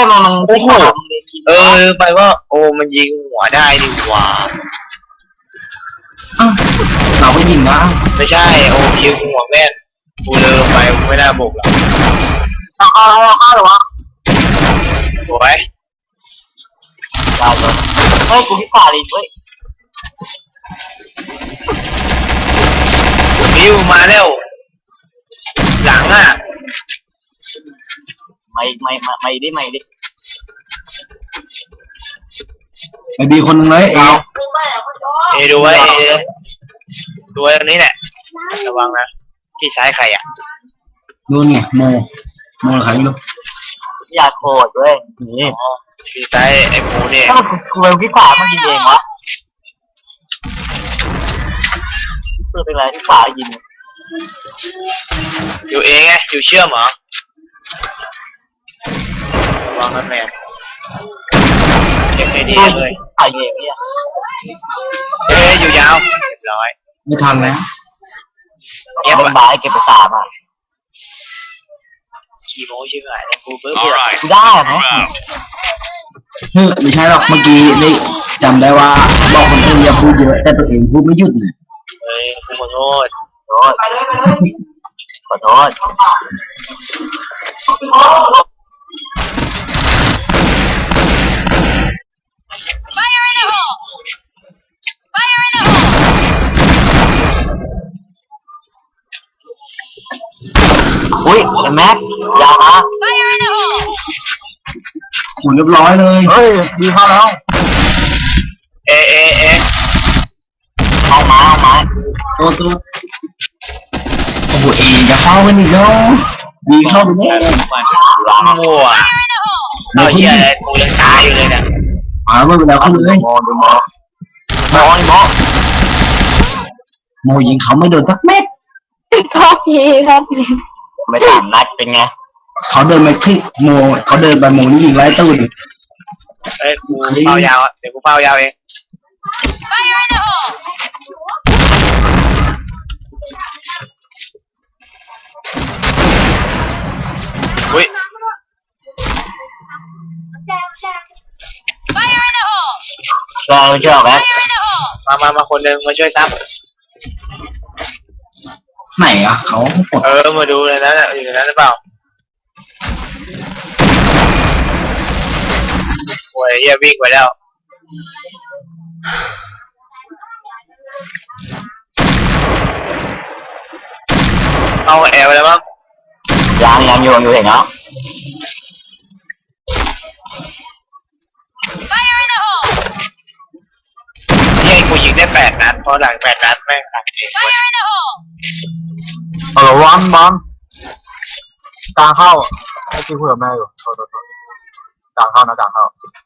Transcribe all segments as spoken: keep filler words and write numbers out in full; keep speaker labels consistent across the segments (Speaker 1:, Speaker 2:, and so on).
Speaker 1: มันมันไม่ขาด
Speaker 2: เออไปว่าโอ้มันยิงหัวได้ดีกว่า
Speaker 3: เราก็ยิงนะ
Speaker 2: ไม่ใช่โอ้ยิงหัวแม่นกูเลิกไปไม่น่าบุกหรอก
Speaker 1: เอาเอาเอาเอาหรอวะ
Speaker 2: สวย
Speaker 1: ได้เลยเฮ้ยกูพิการอีกเว้ย
Speaker 2: บิวมาเร็วหลังอ่ะ
Speaker 1: ไม่ไม่ไม่ไม่ดิไม่ดิ
Speaker 3: ไอบีคนนึงเลยเอ
Speaker 2: เอดูไว้เอดูไว้ตรงนี้แหละระวังนะที่ซ้ายใครอ่ะ
Speaker 3: ดูเนี่ยโมโมใครไม่รู้
Speaker 1: อยากโกรธด้วยนี่
Speaker 2: ที่ซ้ายไอ้หมูเนี่ย
Speaker 1: ถ้ามันกูเป็นพิการมันยิงเองวะเพื่อเป็นไรพิการยิง
Speaker 2: อยู่เองไงอยู่เชื่อมเหรอระวังนะแม่เก็บให้ดีเลย
Speaker 1: ไอ้เองเนี่ย
Speaker 2: เอ้ยอยู่ยาวเรียบร้อย
Speaker 3: ไม่ทันแล้ว
Speaker 1: เก็บเป็นบายเก็บไปสามอ่ะ
Speaker 2: ขี่โม้ชื่ออะไรกูเบื่อ
Speaker 1: กูได้ไหม
Speaker 3: ไม่ใช่หรอกเมื่อกี้นี่จำได้ว่าบอกคนอื่นอย่าพูดเยอะแต่ตัวเองพูดไม่หยุดเลย
Speaker 2: เฮ้ยกูขอโทษ
Speaker 1: ขอโทษขอโทษอุ้ยแม็กยาวมา
Speaker 3: หมุนเรียบร้อยเลย
Speaker 1: เฮ้ยดีเข้าแล้ว
Speaker 2: เอเอเอ
Speaker 1: เอามาเอามา
Speaker 3: ตัวตัวโอ้โหเอจะเข้ากันอีกแล้วดีเข้าไปแน่
Speaker 2: มั่วเอาเหี้ยอะไรกูยังตายอยู่เลยเนี่ย
Speaker 3: อ่าไม่เป็นไรเข้าเลย
Speaker 1: มองดูมองมองมอง
Speaker 3: โมยิงเขาไม่โดนสักเม็ด
Speaker 4: ครับพี่ครับ
Speaker 1: ไม่ถามนัดเป็นไง
Speaker 3: เขาเดินไปที่โมเขาเดินไปโมนี่ยิงไล่ตู้ดิ
Speaker 2: เอ้ยกูเป้ายาวเดี๋ยวกูเป้ายาวเองอุ้ย
Speaker 1: รอเชื่อไหม
Speaker 2: มามามาคนหนึ่งมาช่วยซับ
Speaker 3: ไหนอ่ะเขา
Speaker 2: เออมาดูเลยนะอยู่ในนั้นหรือเปล่าโอ้ยเฮียวิ่งไปแล้วเอาแอร์ไปแล้วมั้ง
Speaker 1: ยังยังอยู่อยู่เห็นเนาะ
Speaker 2: นี่กูยิงได้แปดนัดเพราะหลังแปดนัดแม่งตัดเอง
Speaker 1: เออวันบอลกลางเข้าไอ้ที่พูดกับแม่อยู่โทษโทษกลางเข้านะกลางเข้า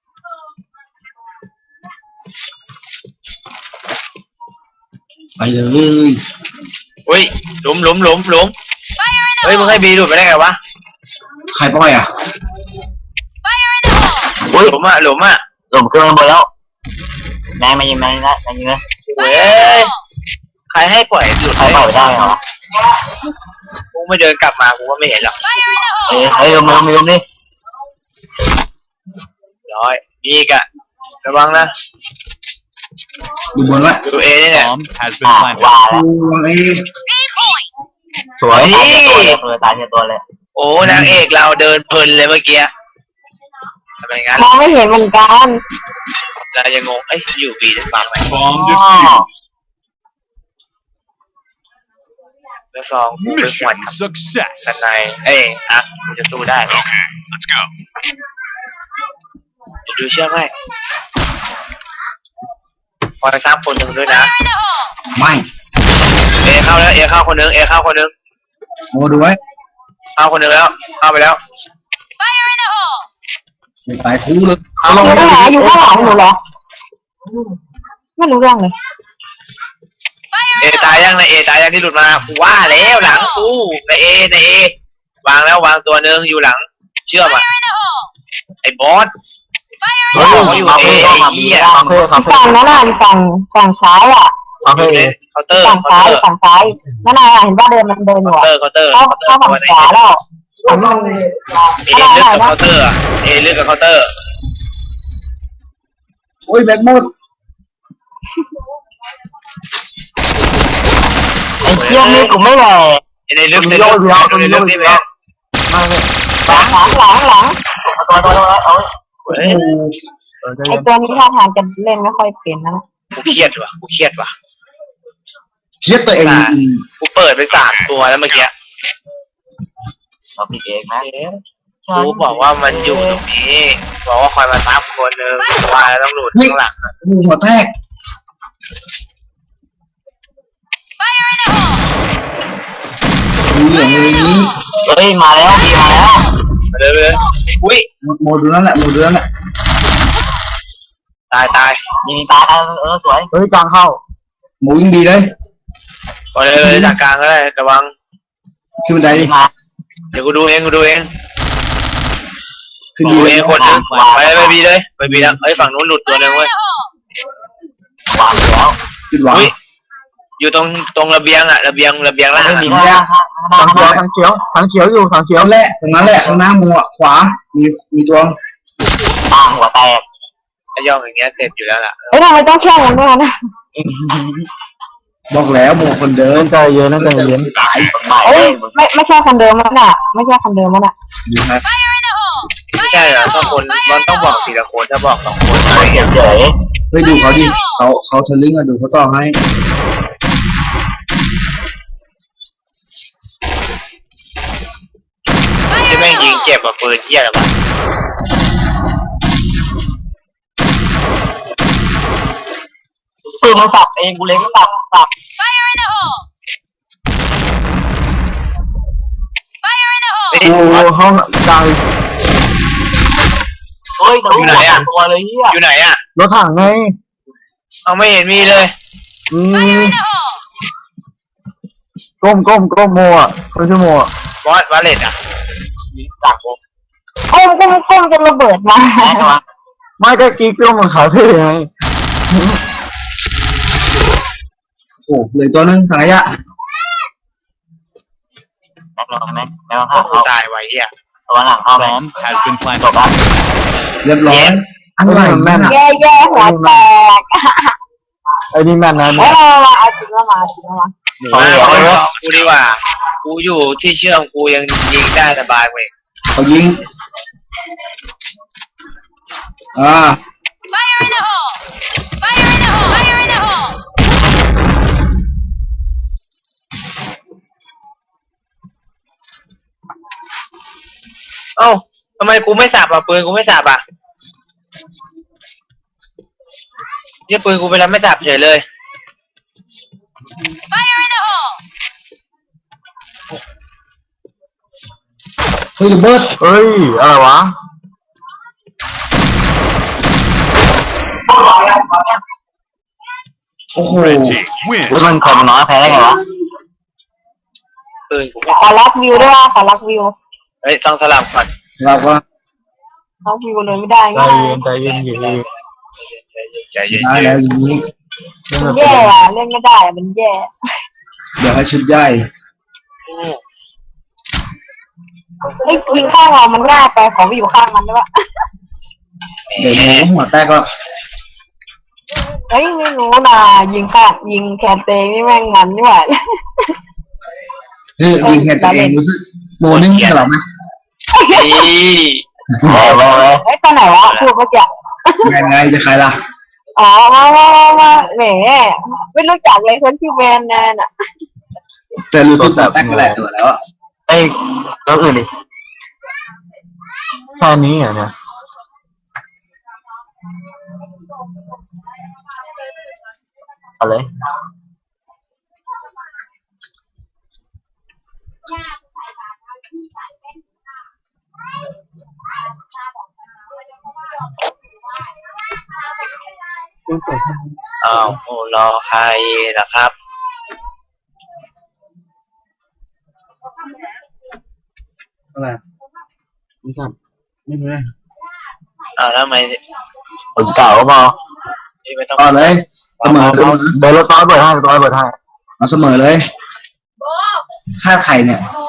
Speaker 3: ไปเลย
Speaker 2: อุ้ยหลุมหลุมหลุมหลุมเฮ้ยมึงให้บีหลุดไปได้ไงวะ
Speaker 3: ใครปล่อยอ่ะ
Speaker 2: อุ้ยหลุมอ่ะหลุมอ่ะ
Speaker 1: หลุมเกินไปแล้วแม่มายิงแม่นะมายิงนะ
Speaker 2: เฮ้ยใครให้ปล่อยหลุด
Speaker 1: ใครปล่อยได้เหรอ
Speaker 2: กูไม่เดินกลับมากูก็ไม่เห็นหรอก
Speaker 1: เฮ้ยเฮ้ยมึงมึงนี่
Speaker 2: ร้อยมีอีกอะระวังนะ
Speaker 3: ดูบนละ
Speaker 2: ดูเอนี่แหละ
Speaker 1: ว้าวสวย
Speaker 2: นี่
Speaker 1: ตายตัวเลย
Speaker 2: โอ้นางเอกเราเดินเพลินเลยเมื่อกี้ทำไมงั้น
Speaker 4: มองไม่เห็นเหมือนกัน
Speaker 2: เรายังงงเอ้ยอยู่บีจะฟังไหมแล้วสองกูเป็นหวัดกันในเอ้ยอ่ะกูจะสู้ได้ไหมดูเชื่อไหมพอไปซ้ำคนหนึ่งด้วยนะ
Speaker 3: ไม่
Speaker 2: เอเข้าแล้วเอเข้าคนหนึ่งเอเข้าคนหนึ่ง
Speaker 3: โอ้ดูไว้
Speaker 2: เข้าคนหนึ่งแล้วเข้าไปแล้ว
Speaker 3: ตายคู่เลย
Speaker 4: เอาลงไปอยู่ข้างหลังหนูเหรอไม่รู้เรื่องเลย
Speaker 2: เอตายยังในเอตายยังที่หลุดมาว่าแล้วหลังกูในเอในเอวางแล้ววางตัวหนึ่งอยู่หลังเชื่อมอ่ะไอ้บอส
Speaker 1: โอ้ยอยู่เอ
Speaker 4: ฝั่งนั้นน่ะฝั่งฝั่งซ้ายอ่ะ
Speaker 2: เคาน์เตอร์
Speaker 4: ฝั่งซ้ายฝั่งซ้ายนั่นน่ะเห็นว่าเดินมันเดินอยู่
Speaker 2: เคาน์เตอร์เคาน์เตอร์
Speaker 4: เข้าเข้าฝั่งขวาแล้วอันนี้มัน
Speaker 2: เอเลือกกับเคาน์เตอร์อะเอเลือกกับเคาน์เตอร์
Speaker 3: โอ้ยแบกมุด
Speaker 1: ไอ้เชี่ยนี่กูไม่แหล่
Speaker 2: เอเลือกในเลือกในเลือกนี่แหละ
Speaker 1: ไม่ไม่
Speaker 4: หลังหลังหลังหลัง
Speaker 1: ตัวตัวตัวเอา
Speaker 2: เฮ้ย
Speaker 1: เออใจ
Speaker 4: ไอ
Speaker 1: เย็น
Speaker 4: ตัวนี้ท่าทางจะเล่นไม่ค่อยเป็นนะ
Speaker 2: กูเครียดว่ะกูเครียดว่ะ
Speaker 3: เครียดตัวเอง
Speaker 2: กูเปิดไปสามตัวแล้วเมื่อกี้
Speaker 1: เราผิดเองนะ
Speaker 2: กูบอกว่ามันอยู่ตรงนี้บอกว่าคอยมาซับคนหนึ่งว่าต้องหลุดข้างหลัง
Speaker 3: หูหัวแตกดูเหลืองเลยนี้
Speaker 1: เฮ้ยมาแล้วดีมาแล้ว
Speaker 2: มาเลยเลยอุ้ย
Speaker 3: โมดูนั่นแหละโมดูนั่นแหละ
Speaker 2: ตายตาย
Speaker 1: ยิงตายเออสวยเฮ้ยกลางเข้า
Speaker 3: โมยิ่งดีเลย
Speaker 2: มาเลยเลยจากกลางก็ได้ระวัง
Speaker 3: ขึ้นบันไดดิ
Speaker 1: มา
Speaker 2: เดี๋ยวกูดูเองกูดูเอง
Speaker 3: ขึ้น
Speaker 2: กู
Speaker 3: ดี
Speaker 2: ดู
Speaker 3: เล
Speaker 2: เอย งคนหนึงไปเลยไปบีเลยไปบีแล้วเอ้ยฝั่งนู้นหลุดตัวหนึงเว้ยว
Speaker 1: างแล้ว
Speaker 3: ขึ้นหวัง
Speaker 2: อุ้ยอยู่ตรงตรงระเบียงอะระเบียงระเบียงล่าง
Speaker 1: ไม่
Speaker 2: อะ
Speaker 1: มีทางทางเขียวทางเขียวทางเขียวอยู่ทางเขียว
Speaker 3: นั่นแหละตรงนั้นแหละข้างหน้าโมอ่ะขวามีมีตัว
Speaker 1: ตางหัวแตก
Speaker 2: ถ้าย่องอย่างเงี้ยเสร็จอยู่แล้วล่ะ
Speaker 4: เฮ้ยทำไมต้องแช่งกันด้วยนะ
Speaker 3: บอกแล้วโมคนเดิม
Speaker 1: ใจเย็นนะใจเย็น
Speaker 3: ตาย
Speaker 4: เฮ้ยไม่ไม่ใช่คนเดิมมันอ่ะไม่ใช่คนเดิมมันอ่ะ
Speaker 3: อยู่นะ
Speaker 2: ไม่ใช่เหรอถ้าคนมันต้องบอกทีละคนถ้าบอกสองคนอะไรเงี้ย
Speaker 1: เฉย
Speaker 3: เฮ้ยดูเขาดิเขาเขาทะลึ่งอ่ะดูเขาต่อให้
Speaker 2: ที่แม่งยิงเจ็บกับปืนเที่ยอะไรวะ
Speaker 1: ปืนมันสับเองกูเล็งสับสับ
Speaker 2: เฮ้ย
Speaker 1: โอ้ห้องกลางเฮ้ยตัวเลยเฮีย
Speaker 2: อยู่ไหนอะ
Speaker 1: รถถังไง
Speaker 2: เอาไม่เห็นมีเลย
Speaker 1: อืมก้มก้มก้มโมอ่ะไม่ใช่โมอ่ะ
Speaker 2: บอสวาเลตอะยิงต่างวง
Speaker 4: โอ้มก้มก้มจะระเบิดมา
Speaker 1: ไม่ก็กิ๊กก้มมันขาเท่ไง
Speaker 3: โอ้เหลยตัวนึงถังขยะ
Speaker 1: แม็กลองไหมแม็กลอง
Speaker 2: โอ้
Speaker 1: เข้า
Speaker 2: โหตายไว้เหี้ย
Speaker 1: ตัวหลังเข้าไหม
Speaker 5: Bomb has been
Speaker 1: จ
Speaker 5: planted.
Speaker 1: บละ
Speaker 3: เรียบร้อยอะไรแม่น
Speaker 4: แย่แย่หัวแตก
Speaker 1: ไอ้นี่แม่นนะ
Speaker 4: เฮ้
Speaker 1: เนี่ย
Speaker 4: ยมามาเอาจริงแล้วมาจริงแล้วมา
Speaker 2: มาเอาไปบอกกูดีกว่า กูอยู่ที่เชื่อมกูยังยิงได้สบายเว้ย
Speaker 3: เขายิงอ่า
Speaker 2: เอ้าทำไมกูไม่สับอ่ะปืนกูไม่สับอ่ะเนี่ยปืนกูไปแล้วไม่สับเฉยเลย
Speaker 3: เฮ้ยระเบิด
Speaker 1: เฮ้ยอะไรวะ
Speaker 3: โอ้โห
Speaker 5: Red team win.
Speaker 1: เฮ้ยมันคนน้อยแพ้ได้ไงวะ
Speaker 2: ปืนกูไม่
Speaker 4: ขอรับวิวด้วยว่าขอรับวิว
Speaker 2: เฮ้ยต้องสลับก่อน
Speaker 3: เราก็
Speaker 4: รับวิวเลยไม่ได้
Speaker 1: ใจ
Speaker 4: ง่าย
Speaker 1: เย็นใจเย็นอยู่ดี
Speaker 2: ใจเย็น
Speaker 3: ได้แล้วอย่างนี้
Speaker 4: มันแย่อะเล่นไม่ได้อะมันแย่
Speaker 3: เดี๋ยวให้ชุดใหญ่
Speaker 4: เฮ้ยยิงข้างเรามันง่ายไปขอไปอยู่ข้างมันได้ปะ
Speaker 3: เดี๋ยวโมก็หัวแตกก็
Speaker 4: เฮ้ยไม่รู้นะยิงข้างยิงแคนเตงนี่แม่งมันนี่หว่า
Speaker 3: เฮ้ยยิงแค่ตัวเองรู้สึกโมนึงกับเราไหม
Speaker 2: นี่
Speaker 1: แพ้แพ้แพ้
Speaker 4: เฮ้ยตอนไหนวะพูดเมื่อกี้
Speaker 3: ไงไงจะใครล่ะ
Speaker 4: อ๋อมามามามาแหมไม่รู้จักเลยคนชื่อแมนแนนอ่ะ
Speaker 3: แต่รู้สึกหัวแตกก็หลายตัวแล้วอ่ะ
Speaker 1: ไอ้แล้วอื่นดิแค่นี้เหรอเนี่ยเอาเลย
Speaker 2: อ้าวโอ้รอใครล่ะครับ
Speaker 3: อะไรไม่ทราบไม่รู้เลย
Speaker 2: อ้าวแล้วทำไม
Speaker 1: คนเก่าก็พอ
Speaker 2: นี่ไม่ต้อง
Speaker 3: ต่อเลยเสมอเสมอ
Speaker 1: เดี๋ยวรถต้อยเปิดให้ต้อยเปิดให้
Speaker 3: เอาเสมอเลยค่าไข่เนี่ย